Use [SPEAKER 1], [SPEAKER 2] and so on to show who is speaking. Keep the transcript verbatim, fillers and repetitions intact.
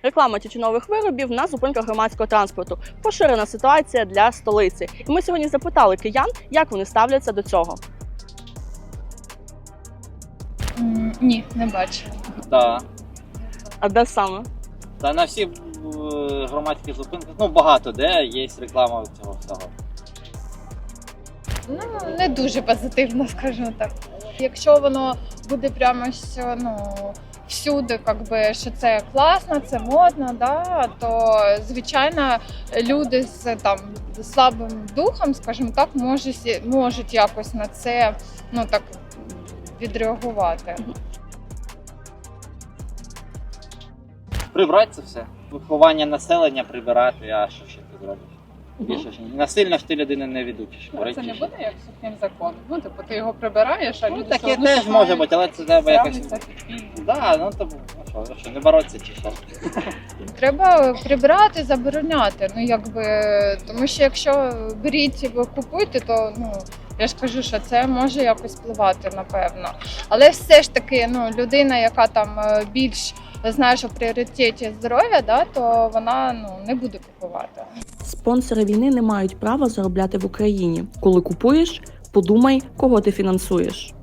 [SPEAKER 1] Реклама тютюнових виробів на зупинках громадського транспорту – поширена ситуація для столиці. І ми сьогодні запитали киян, як вони ставляться до цього.
[SPEAKER 2] М, Ні, не бачу.
[SPEAKER 3] Так.
[SPEAKER 1] А де саме?
[SPEAKER 3] Та на всі е, громадські зупинки, ну багато де є реклама цього всього.
[SPEAKER 2] Ну, не дуже позитивно, скажімо так. Якщо воно буде прямо що, ну, всюди, якби, що це класно, це модно, да, то, звичайно, люди з там, слабим духом, скажімо так, можуть, можуть якось на це, ну, так, відреагувати.
[SPEAKER 3] Прибрати це все. Виховання населення прибирати, а що ще ти зробиш? Більше ще ні. Насильно ж ти людину не відучиш.
[SPEAKER 4] Ну, це не буде як сухим законом. Ну, типу, ти його прибираєш, а
[SPEAKER 3] Ну,
[SPEAKER 4] люди
[SPEAKER 3] таке
[SPEAKER 4] все одно
[SPEAKER 3] теж
[SPEAKER 4] починають
[SPEAKER 3] може бути, але це треба якось.
[SPEAKER 4] ставитися підпільно.
[SPEAKER 3] Да, ну то ну, що, що, не боротися чи що?
[SPEAKER 2] Треба прибирати, забороняти. Ну, якби, тому що якщо беріть і ви купуєте, то ну, я ж кажу, що це може якось впливати, напевно. Але все ж таки, ну, людина, яка там е, більш знає, що в пріоритеті здоров'я, да, то вона ну, не буде купувати.
[SPEAKER 1] Спонсори війни не мають права заробляти в Україні. Коли купуєш, подумай, кого ти фінансуєш.